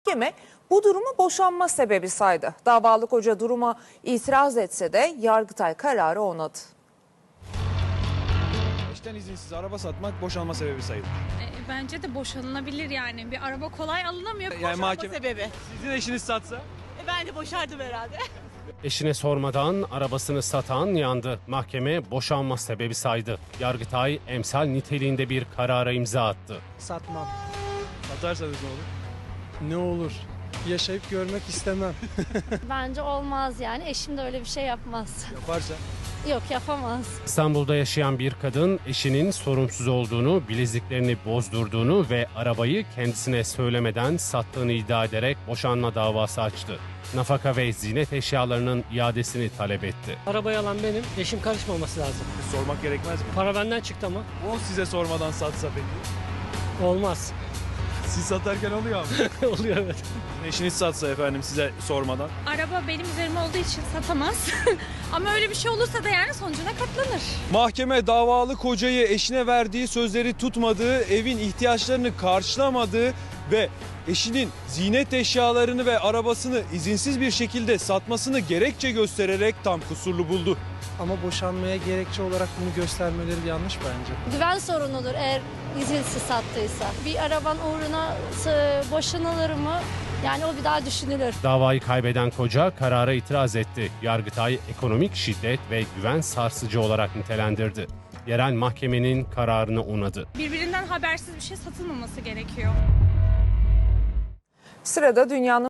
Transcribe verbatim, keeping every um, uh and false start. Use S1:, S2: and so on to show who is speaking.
S1: Mahkeme bu durumu boşanma sebebi saydı. Davalı koca duruma itiraz etse de Yargıtay kararı onadı.
S2: Eşten izinsiz araba satmak boşanma sebebi sayılır.
S3: E, Bence de boşanılabilir yani. Bir araba kolay alınamıyor.
S2: Yani
S4: Boşanma
S2: mahkeme
S4: sebebi.
S2: sizin eşiniz satsa
S4: E ben de boşardım herhalde.
S5: Eşine sormadan arabasını satan yandı. Mahkeme boşanma sebebi saydı. Yargıtay emsal niteliğinde bir karara imza attı.
S6: Satmam.
S2: satarsanız ne olur?
S6: Ne olur? Yaşayıp görmek istemem.
S7: Bence olmaz yani. Eşim de öyle bir şey yapmaz.
S2: Yaparsa
S7: Yok, yapamaz.
S5: İstanbul'da yaşayan bir kadın eşinin sorumsuz olduğunu, bileziklerini bozdurduğunu ve arabayı kendisine söylemeden sattığını iddia ederek boşanma davası açtı. Nafaka ve ziynet eşyalarının iadesini talep etti.
S8: Arabayı alan benim, eşim karışmaması lazım.
S2: sormak gerekmez mi?
S8: Para benden çıktı ama
S2: O size sormadan satsa peki?
S8: olmaz.
S2: Siz satarken oluyor ama.
S8: Oluyor evet.
S2: Eşiniz satsa efendim size sormadan.
S3: Araba benim üzerime olduğu için satamaz. Ama öyle bir şey olursa da yani sonucuna katlanır.
S2: Mahkeme davalı kocayı eşine verdiği sözleri tutmadığı, evin ihtiyaçlarını karşılamadığı ve eşinin ziynet eşyalarını ve arabasını izinsiz bir şekilde satmasını gerekçe göstererek tam kusurlu buldu.
S6: Ama boşanmaya gerekçe olarak bunu göstermeleri yanlış bence.
S7: Güven sorunudur eğer izinsiz sattıysa. Bir araban uğruna sı- boşanılır mı? Yani o bir daha düşünülür.
S5: Davayı kaybeden koca karara itiraz etti. Yargıtay ekonomik şiddet ve güven sarsıcı olarak nitelendirdi. Yerel mahkemenin kararını onadı.
S3: Birbirinden habersiz bir şey satılmaması gerekiyor.
S1: Sırada dünyanın